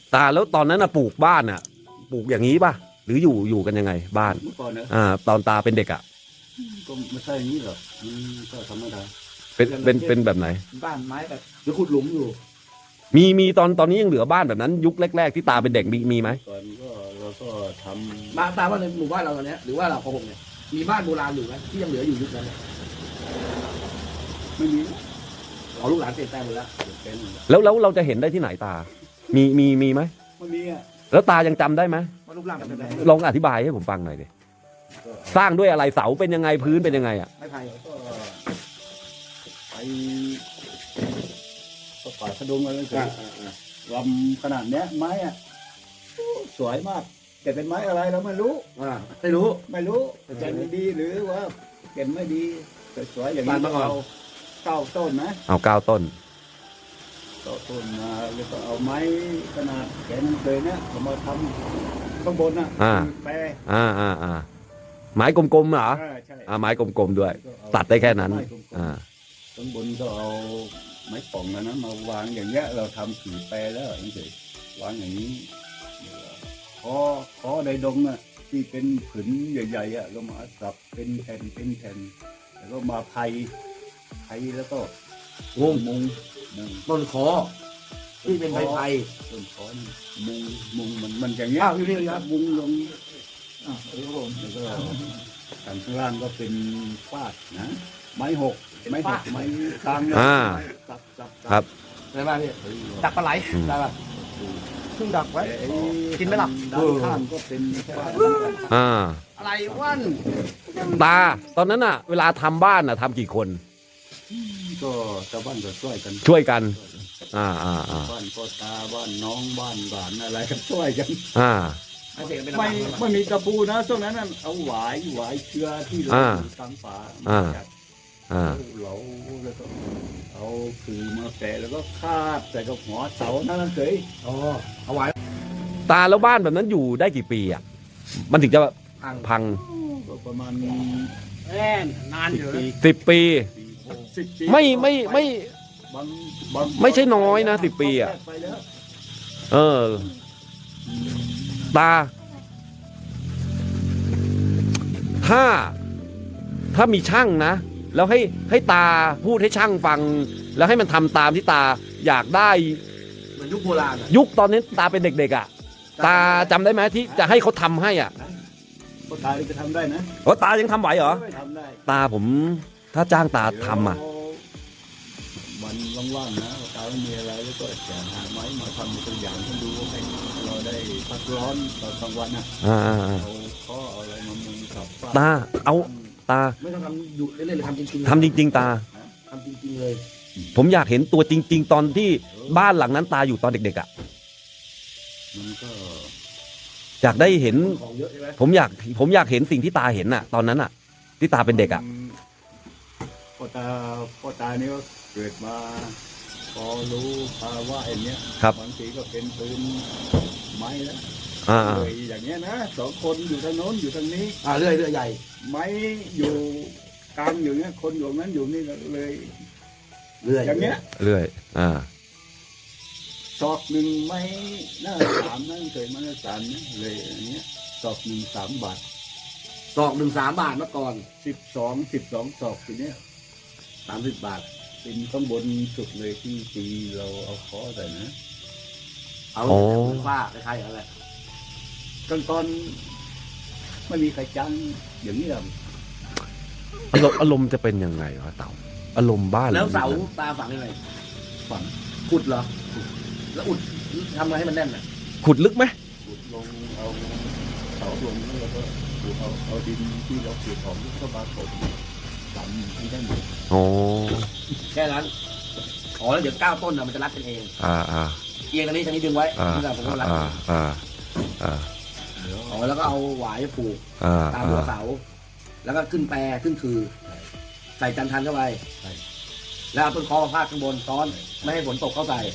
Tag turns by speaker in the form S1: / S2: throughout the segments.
S1: ตาแล้วตอนนั้นปลูกบ้านปลูกอย่างนี้ป่ะหรืออยู่กันยังไงบ้าน
S2: เมื่อก่อนนะ
S1: ตอนตาเป็นเด็ก
S2: ก็ไม่ใช่อย่างนี้หรอกก็ธรรมดา
S1: เป็นแบบไหน
S3: บ้านไม้แบบหรือขุดหลุมอยู่
S1: มีตอนนี้ยังเหลือบ้านแบบนั้น ยุคแรกๆที่ตาเป็นเด็กมีไหม
S2: ก่อนก็เราก็ทำ
S3: บ้านตาว่าในหมู่บ้านเราตอนนี้หรือว่าเราของผมเนี่ยมีบ้านโบราณอยู่ไหมที่ยังเหลืออยู่ยุคนั้นเนี่ย
S2: ไม่มี
S3: เอาลูกหลานเปลี่ยนแปลงหมดแล้ว
S2: เป็น
S1: แล้วเราจะเห็นได้ที่ไหนตา มีไหม
S2: ไม่มีอ่ะ
S1: แล้วตายังจำได้ไหม
S3: ว่ารูปร่างเป็นแบบไหน
S1: ลองอธิบายให้ผมฟังหน่อยดิสร้างด้วยอะไรเสาเป็นยังไงพื้นเป็นยังไง
S3: ไม้ไผ่
S2: ก็ไปก็ป่าสะดุงอะไรกันลำขนาดเนี้ยไม้อ่ะสวยมากแต่เป็นไม้อะไรเราไม่รู้
S3: ไม่รู้
S2: ไม่รู้เป็นดีหรือว่าเป็นไม่ดีสวยๆอย่างนี้เอาเก้าต้นนะ
S1: เอา9 ต้น
S2: เก้าต้นมาแล้วก็เอาไม้ขนาดแขนเลยเนี่ยเอามาทำข้างบนน่ะแปร
S1: ไม้กลมๆเหรอ
S2: ใช่
S1: ไม้กลมๆด้วย ตัดได้แค่นั้น
S2: ข้างบนก็เอาไม้ป่องนะมาวางอย่างเงี้ยเราทำผีแปรแล้วนี่สิวางอย่างนี้คอในดงน่ะที่เป็นผืนใหญ่ๆอ่ะเรามาสับเป็นแผ่นแล้วก็มาไผ่แล้วก็มุง
S3: ต้นคอที่เป็นไผ่
S2: ต้นคอนี่มุงมันอย่างเงี้ย
S3: อยู่นี่เลยครับ
S2: มุงลง
S3: ครับผม
S2: แล้วก็ทางข้างล่างก็เป็นฟาดนะไม้หกไม้กลางสับ
S1: ครับ
S3: อะไรบ้างพี่ดักปลาไหลได้ป่ะเพิ่งดักไว้กินไม่หลับ
S2: ด้านข้างก็เป็นฟาด
S3: อะไรวัน
S1: ตาตอนนั้นเวลาทำบ้านทำกี่คน
S2: ก็ชาวบ้านก็ช่วยกัน
S1: ช่วยกัน
S2: บ้านก็ตาบ้านน้องบ้านหลานอะไรกันช่วยกัน ไม่มีกระปูนะช่วงนั้นเอาหวายเชื้อที่เราตามป่าเราแล้วก็เอาคือมาแปะแล้วก็คาบใส่กับหัวเสานั่นเฉย
S3: เอาไว้
S1: ตาแล้วบ้านแบบนั้นอยู่ได้กี่ปีมันถึงจะพัง
S2: ก็ประมาณ
S3: นานอยู่นะ
S1: 10 ปี
S2: 10 ปี
S1: ไม่
S2: บาง
S1: ไม่ใช่น้อยนะ10 ปี
S2: ไปแล้ว
S1: ตาถ้ามีช่างนะแล้วให้ตาพูดให้ช่างฟัง แล้วให้มันทำตามที่ตาอยากได้
S3: เหมือนยุคโบราณ
S1: ยุคตอนนี้ตาเป็นเด็กๆตาจำได้ไหมที่จะให้เขาทำให้
S2: ก็ตาจะทำได้นะ
S1: ตายังทำไหวเหรอ
S2: ทำได้
S1: ตาผมถ้าจ้างตาทำ
S2: วันว่างๆนะตาไม่มีอะไรแล้วก็จะหาไม้มาทำตัวอย่างให้ดูให้เราได้พักร้อนตอนกลางวันเอาอะไรมามุงกับ
S1: ตาตา
S3: ไม่ต้องทำอยู่เล่นๆเลยทำจริงๆ
S1: ทำจริงๆตา
S3: ทำจริงๆเลย
S1: ผมอยากเห็นตัวจริงๆตอนที่บ้านหลังนั้นตาอยู่ตอนเด็กๆ
S2: มันก็
S1: อยากได้เห็น
S3: ของเยอะใช่ไหม
S1: ผมอยากเห็นสิ่งที่ตาเห็นตอนนั้นที่ตาเป็นเด็ก
S2: พ่อตานี่ก็เกิดมาพอรู้ภาวะอย่างเนี้ยบางทีก็เป็นปืนไม้แล้วเลยอย่างเงี้ยนะ2 คนอยู่ทางโน้นอยู่ทางนี้
S3: เรื่อยใหญ่
S2: ไม้อยู่กลางอยู่เนี้ยคนอยู่นั้นอยู่นี่เลยอย่างเงี้ย
S1: เรื่อย
S2: ศอกหนึ่งไม้หน้า3นั่นเคยมาหน้า3เนี่ยเลยอย่างเงี้ยศอกหนึ่ง3 บาท
S3: ศอก1 3 บาทเมื่อก่อน
S2: 12ศอกทีเนี้ย
S3: 30 บาท
S2: เป็นข้างบนสุดเลยที่ตีเราเอาคอใส่นะ
S3: เอาฝ้าคล้ายๆอะไร
S2: ตอนไม่มีใครจ้างอย่างนี้หรอก
S1: อารมณ์จะเป็นยังไงวะเต่าอารมณ์บ้าน
S3: แล้วเสาตาฝังยังไง
S2: ฝัง
S3: ขุดเหรอแล้วอุดทำไงให้มันแน่น
S1: ขุดลึกไหม
S2: ขุดลงเอาเสาลงแล้วก็เอาดินที่เราขุดของเข้ามาถมฝังที่ได้หมด
S3: แค่นั้นแล้วเดี๋ยว9 ต้นมันจะรัดกันเองเอียงตรงนี้ดึงไว้ที่เราผมก็รัดแล้วก็เอาหวายผูกตามหัวเสาแล้วก็ขึ้นแปรขึ้นคือใส่จันทันเข้าไปแล้วเอาต้นคอมาพาดข้างบนซ้อนไม่ให้ฝนตกเข้าใส่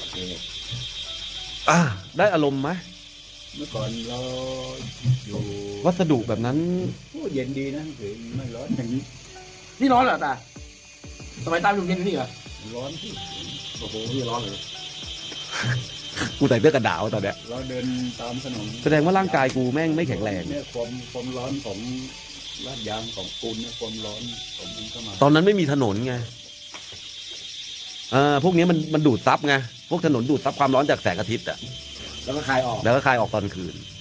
S1: ได้อารมณ์ไหม
S2: เมื่อก่อนเราอยู่
S1: วัสดุแบบนั้น
S2: เย็นดีนะคือไม่ร้อนอย่างนี้
S3: นี่ร้อนเหรอตาสมัยตาอยู่เย็นนี่เหรอ
S2: ร้อนที่
S3: โอ้โหนี่ร้อนเลย
S1: กูใส่เสื้อกันหนาวตอนเนี้ย
S2: เราเดินตามถนน
S1: แสดงว่าร่างกายกูแม่งไม่แข็งแรง
S2: เนี่ยความร้อนของลาดยางของปูนเนี่ยความร้อนของมันเข้ามา
S1: ตอนนั้นไม่มีถนนไงพวกนี้มันดูดซับไงพวกถนนดูดซับความร้อนจากแสงอาทิตย์อ่ะ
S3: แล้วก็คลายออก
S1: แล้วก็คายออกตอนคืน